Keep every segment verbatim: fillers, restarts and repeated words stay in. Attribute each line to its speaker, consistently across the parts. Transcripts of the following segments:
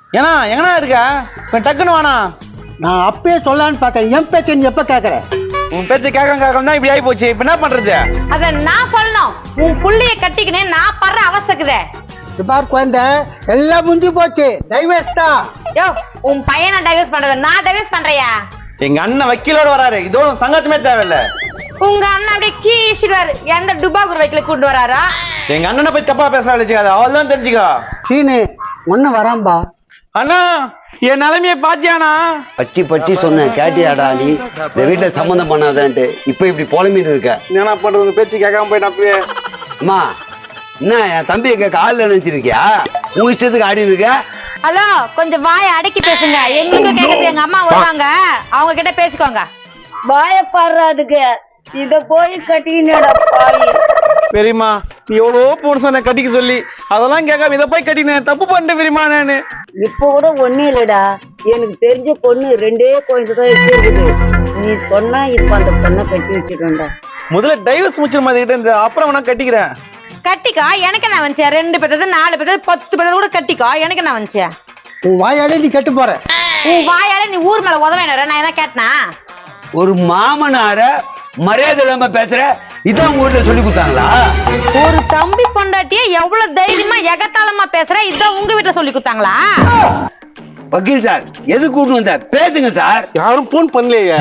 Speaker 1: ஏன்னா எங்கண்ணா இருக்க இப்ப டக்குன்னு வாண்ணா.
Speaker 2: நான் அப்பயே சொல்லலான்னு பார்க்க என் பேச்சை நீ எப்ப கேக்குற?
Speaker 1: உன் பேச்ச கேட்க கேட்க தான் இப்படி ஆகி போச்சு. இப்ப என்ன பண்றது?
Speaker 3: அத நான் சொல்லணும். உன் புள்ளைய கட்டிக்கினே நான் படுற அவஸ்தைக்குதே.
Speaker 2: பார் குழந்தை, எல்லாம் முடிஞ்சு போச்சு. டைவர்ஸ் தான்.
Speaker 3: யோ, உன் பையனை டைவர்ஸ் பண்றத நான் டைவர்ஸ் பண்றியா?
Speaker 1: எங்க அண்ணன் வக்கீலோட வராரு. இதோ சங்கத்தமே தேவையில்ல.
Speaker 3: உங்க அண்ணன் அப்படியே கீழ்ச்சிடுவாரு. எந்த டுபாகூர் வைக்கல கூட்டு வராரா?
Speaker 1: எங்க அண்ணனை போய் தப்பா பேச வச்சுக்காது. அவள் தான் தெரிஞ்சுக்கா.
Speaker 2: சீனு ஒன்னு வராம்பா.
Speaker 1: அண்ணா என் நிலைமைய பாத்தியானா?
Speaker 4: பச்சி பச்சி சொன்னேன் கேட்டியாடா நீ? இந்த வீட்டுல சம்மந்தம் பண்ணாதான்ட்டு இப்ப இப்படி புலம்பிட்டு இருக்க.
Speaker 1: என்ன பண்றது? பேச்சு கேட்காம போயிட்டு அப்பவே.
Speaker 4: அம்மா என்ன என் தம்பியை கேட்க ஆள்ல நினைச்சிருக்கியா? உன் இஷ்டத்துக்கு ஆடி இருக்க.
Speaker 3: ஹலோ, கொஞ்சம் வாயை அடக்கி பேசுங்க. எங்களுக்கு கேட்கறது எங்க அம்மா வருவாங்க, அவங்க கிட்ட பேசிக்கோங்க.
Speaker 5: பயப்படுறதுக்கு இத போய் கட்டினடா பாவி.
Speaker 1: பெரியமா நீ எவ்வளோ புருஷனை கட்டிக்க சொல்லி அதெல்லாம் கேட்காம இதை போய் கட்டினேன். தப்பு பண்ணிட்டேன் பெரியமா நானு.
Speaker 5: இப்ப கூட ஒண்ணு இல்லடா, எனக்கு தெரிஞ்ச பொண்ணு ரெண்டே குழந்தை தான் வச்சிருக்குது. நீ சொன்னா இப்ப அந்த பொண்ணை கட்டி வச்சிருக்கா.
Speaker 1: முதல்ல டைவர்ஸ் முடிச்சிட மாதிரி அப்புறம் நான் கட்டிக்கிறேன்.
Speaker 3: கட்டிக்கோ, எனக்கு என்ன வந்துச்சு? ரெண்டு பேத்தது நாலு பேத்தது பத்து பேத்தது கூட கட்டிக்கோ, எனக்கு என்ன வந்துச்சு?
Speaker 2: உன் வாயாலே நீ கெட்டு போற.
Speaker 3: உன் வாயால நீ ஊர் மேல உதவ வேணா? நான் என்ன கேட்டனா?
Speaker 4: ஒரு மாமனார மரியாதை இல்லாம பேசுற இதான் உங்க வீட்டுல சொல்லி கொடுத்தாங்களா?
Speaker 3: ஒரு தம்பி பொண்டாட்டிய எவ்வளவு தைரியமா எகத்தாளமா பேசுற இதான் உங்க வீட்டுல சொல்லி கொடுத்தாங்களா?
Speaker 4: வக்கீல் சார் எது கூட்டு வந்த? பேசுங்க சார்.
Speaker 1: யாரும் போன் பண்ணலையே.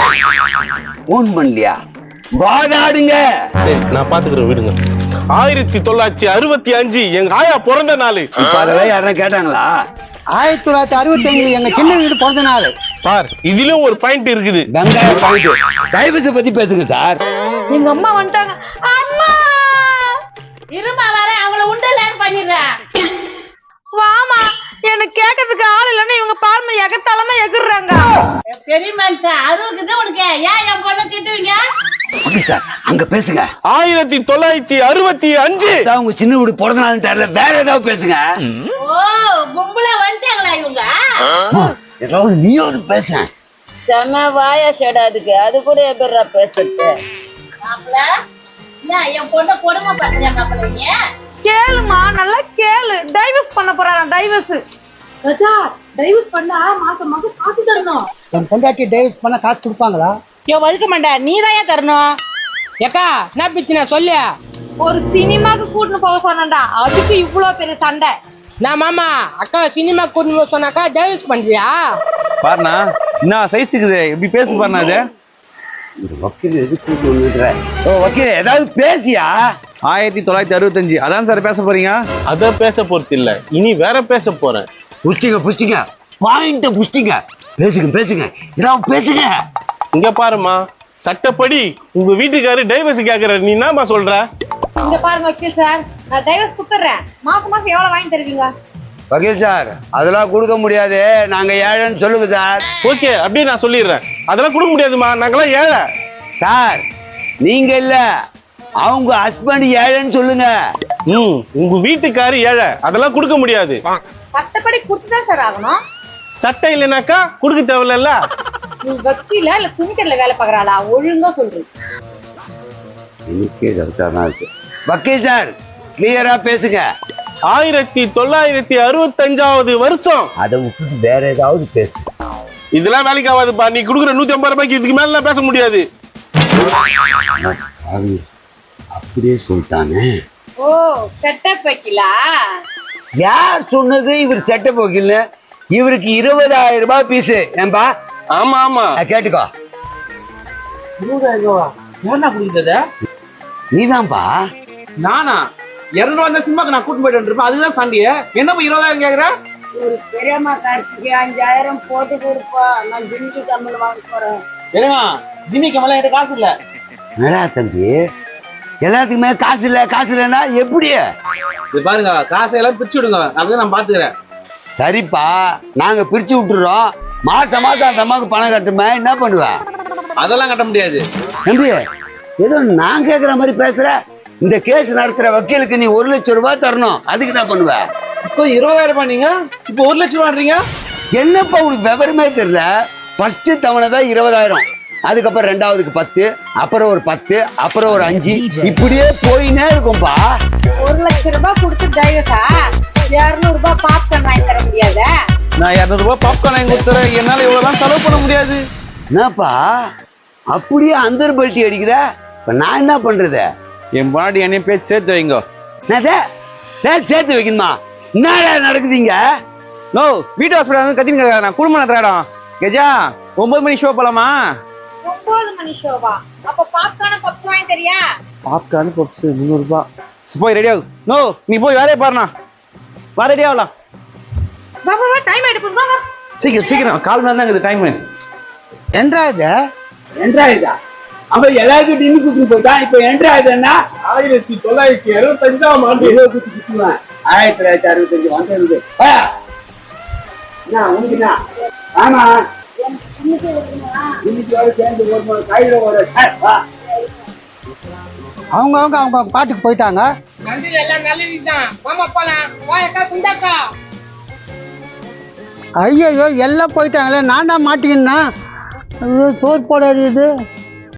Speaker 4: போன் பண்ணலையா? வாதாடுங்க.
Speaker 6: நான் பாத்துக்கிறேன் விடுங்க. ஆயிரத்தி தொள்ளாயிரத்தி அறுபத்தி அஞ்சு எங்க ஆயா பிறந்த நாள்.
Speaker 4: இப்ப அதெல்லாம் யாரும் கேட்டாங்களா?
Speaker 2: ஆயிரத்தி தொள்ளாயிரத்தி அறுபத்தி அஞ்சு எங்க சின்ன வீடு பிறந்த நாள்.
Speaker 6: பார் இதுலயும் ஒரு பாயிண்ட் இருக்குது.
Speaker 4: வெங்காய பாயிண்ட். டைவர்ஸ் பத்தி பேசுங்க சார்.
Speaker 3: எங்க அம்மா வந்துட்டாங்க. அம்மா இருமா வர, அவங்கள உண்டு லேன் பண்ணிடுறேன். வாமா, எனக்கு கேட்கறதுக்கு ஆள் இல்லைன்னு இவங்க பார்ம எகத்தாளமா எகுறாங்க.
Speaker 5: பெரிய மனுஷன் அறுபது உனக்கு ஏன் என் பொண்ணை திட்டுவீங்க?
Speaker 4: வக்கீல் சார் அங்க பேசுங்க.
Speaker 6: ஆயிரத்தி தொள்ளாயிரத்தி அறுபத்தி அஞ்சு
Speaker 4: உங்க சின்ன வீடு பிறந்த நாள் தெரியல, வேற ஏதாவது பேசுங்க.
Speaker 5: ஓ, கும்பல வந்துட்டாங்களா இவங்க?
Speaker 4: ஏதாவது நீயாவது பேச.
Speaker 5: செம வாயா செடாதுக்கு அது கூட எப்படிடா பேசுறது? மாப்பிள்ள என்ன என் பொண்ணை கொடுமை பண்றியா மாப்பிள்ளைங்க?
Speaker 3: கேளுமா, நல்லா கேளு. டைவர்ஸ் பண்ண போறாராம். டைவர்ஸ்
Speaker 5: ராஜா, டைவர்ஸ் பண்ணா மாசம் மாசம் காசு தரணும்.
Speaker 2: என் பொண்டாட்டி டைவர்ஸ் பண்ண காசு கொடுப்பாங்களா?
Speaker 7: யோ வழுக்க மாட்டா, நீ தான் தரணும். ஏக்கா என்ன பிச்சுனா சொல்லு.
Speaker 3: ஒரு சினிமாக்கு கூட்டின்னு போக சொன்னா அதுக்கு இவ்வளவு பெரிய சண்டை.
Speaker 7: நான் மாமா அக்கா சினிமா கூட்டின்னு சொன்னாக்கா டைவர்ஸ் பண்றியா?
Speaker 1: பாருண்ணா என்ன சைஸ் இருக்குது, எப்படி பேசு பாருண்ணா. அது
Speaker 4: இந்த வக்கீல் எது கூட்டு வந்துடுற? ஓ வக்கீல் ஏதாவது பேசியா?
Speaker 1: ஆயிரத்தி தொள்ளாயிரத்தி அறுபத்தஞ்சு அதான் சார் பேச போறீங்க?
Speaker 6: அத பேச போறது இல்ல, இனி வேற பேச போறேன்.
Speaker 4: புஷ்டிங்க புஷ்டிங்க பாயிண்ட புஷ்டிங்க. பேசுங்க பேசுங்க ஏதாவது பேசுங்க.
Speaker 6: இங்க பாருமா, சட்டப்படி உங்க வீட்டுக்காரு டைவர்ஸ் கேக்குற, நீ என்னமா சொல்ற?
Speaker 3: இங்க பாருங்க வக்கீல் சார், நான் டைவர்ஸ் குடுத்துறேன். மாசம் மாசம் எவ்வளவு வாங்கி தருவீங்க?
Speaker 4: வக்கீல் சார் அதெல்லாம் கொடுக்க முடியாது, நாங்க ஏழைன்னு சொல்லுங்க சார்.
Speaker 6: ஓகே அப்படியே நான் சொல்லிடுறேன். அதெல்லாம் கொடுக்க முடியாதுமா, நாங்கெல்லாம் ஏழை.
Speaker 4: சார் நீங்க இல்ல, அவங்க ஹஸ்பண்ட் ஏழைன்னு சொல்லுங்க.
Speaker 6: ம் உங்க வீட்டுக்காரு ஏழை, அதெல்லாம் கொடுக்க முடியாது.
Speaker 3: சட்டப்படி குடுத்துதான் சார் ஆகணும்.
Speaker 6: சட்டம் இல்லைனாக்கா கொடுக்க தேவையில்ல.
Speaker 3: நீ வக்கீல இல்ல துணிக்கடையில வேலை பாக்குறாளா? ஒழுங்கா சொல்றேன்.
Speaker 4: எனக்கே கரெக்டாதான் இருக்கு. வக்கீல் சார் கிளியரா பேசுங்க.
Speaker 6: ஆயிரத்தி தொள்ளாயிரத்தி அறுபத்தி அஞ்சாவது வருஷம்.
Speaker 4: அதை விட்டுட்டு வேற ஏதாவது பேசு.
Speaker 6: இதெல்லாம் வேலைக்கு ஆகாதுப்பா. நீ கொடுக்குற நூத்தி ஐம்பது ரூபாய்க்கு இதுக்கு மேல பேச முடியாது.
Speaker 4: அப்படியே சொல்லிட்டானே.
Speaker 3: ஓ, செட்டப் வக்கீலா?
Speaker 4: யார் சொன்னது இவர் செட்டப் வக்கீல்னு? இவருக்கு இருபதாயிரம் ரூபாய் பீஸ். ஏன்பா?
Speaker 6: ஆமா ஆமா
Speaker 4: கேட்டுக்கோ.
Speaker 1: இருபதாயிரம் ரூபா யாருண்ணா குடிக்கிறது?
Speaker 4: நீதான்பா.
Speaker 1: நானா? இருநூறு வந்த சினிமாக்கு நான் கூட்டு போயிட்டு இருப்பேன். அதுதான் சண்டையே. என்ன போய் இருபதாயிரம் கேக்குற?
Speaker 5: ஒரு பெரியம்மா காட்சிக்கு அஞ்சாயிரம் போட்டு கொடுப்பா, நான் ஜிமிக்கு கம்மல் வாங்க போறேன்.
Speaker 1: ஏன்னா ஜிமிக்கு மேல என்கிட்ட காசு இல்ல.
Speaker 4: என்னடா தம்பி எல்லாத்துக்குமே காசு இல்ல காசு இல்லைன்னா எப்படி?
Speaker 1: இது பாருங்க, காசை எல்லாம் பிரிச்சு விடுங்க, அதுதான் நான் பாத்துக்கிறேன்.
Speaker 4: சரிப்பா நாங்க பிரிச்சு விட்டுறோம். மாசம் மாசம் அந்த அம்மாவுக்கு பணம் கட்டுமே, என்ன பண்ணுவேன்?
Speaker 1: அதெல்லாம் கட்ட முடியாது
Speaker 4: தம்பி. ஏதோ நான் கேக்குற மாதிரி பேசுற. இந்த கேஸ் நடத்துற வக்கீலுக்கு நீ ஒரு லட்சம் ரூபாய் தரணும். அதுக்கு என்ன பண்ணுவ?
Speaker 1: இப்போ இருபதாயிரம் ரூபாய் நீங்க இப்போ ஒரு லட்சம் ரூபாய்ன்றீங்க.
Speaker 4: என்னப்பா உனக்கு விவரமே தெரியல. ஃபர்ஸ்ட் தவணை தான் இருபதாயிரம், அதுக்கப்புறம் ரெண்டாவதுக்கு பத்து, அப்புறம் ஒரு பத்து, அப்புறம் ஒரு அஞ்சு, இப்படியே போயினே இருக்கும்பா.
Speaker 3: ஒரு லட்சம் ரூபாய் கொடுத்து டைவர்ஸா? இருநூறு ரூபாய் பாப்கார்ன் வாங்கி தர முடியாத?
Speaker 1: நான் இரநூறுபா பாப்கார்ன் வாங்கி கொடுத்துறேன், என்னால இவ்வளவுதான் செலவு பண்ண முடியாது.
Speaker 4: என்னப்பா அப்படியே அந்தர் பல்ட்டி அடிக்கிற? இப்ப நான் என்ன பண்றது?
Speaker 1: என் பாடி என்னையும் பேச்சு சேர்த்து வைங்க.
Speaker 4: என்னது? டேய், சேர்த்து வைக்கணுமா? என்னடா நடக்குதுங்க?
Speaker 1: நோ, வீட்டு ஹாஸ்பிட்டல் வந்து கத்தின்னு கிடக்காத, நான் குடும்பம் நடத்துற இடம். கெஜா, ஒன்பது மணி ஷோ போலாமா?
Speaker 3: ஒன்பது மணி ஷோவா? அப்ப பாப்கார்ன் பப்ஸ் வாங்கி தரியா?
Speaker 1: பாப்கார்ன் பப்ஸ் முந்நூறு ரூபாய். போய் ரெடி ஆகு. நோ, நீ போய் வேலையை பாருண்ணா. வா, ரெடி ஆகலாம்.
Speaker 3: வா வா டைம் ஆயிட்டு போகுது, வா வா.
Speaker 1: சீக்கிரம் சீக்கிரம், கால் மணி தான் டைம்.
Speaker 2: என்றா இது
Speaker 4: என்றாயுதா? அவன் எல்லாருக்கும் டின்னு குத்துட்டு போயிட்டான். இப்ப என்றாயுதுன்னா
Speaker 6: ஆயிரத்தி தொள்ளாயிரத்தி அறுபத்தஞ்சாம் ஆண்டு
Speaker 4: குத்து குத்துவேன். ஆயிரத்தி தொள்ளாயிரத்தி அறுபத்தஞ்சு வந்தது. என்ன உனக்கு என்ன? ஆமா, இன்னைக்கு வர சேர்ந்து ஒரு கையில ஒரு
Speaker 2: அவங்க அவங்க அவங்க பாட்டுக்கு போயிட்டாங்க.
Speaker 7: நன்றி எல்லாம் நல்லதுதான். மாமா போலாம். வா அக்கா, குண்டாக்கா.
Speaker 2: ஐயோ எல்லாம் போயிட்டாங்களே, நான் தான் மாட்டிக்கினா. ஐயோ சோறு போடாது இது.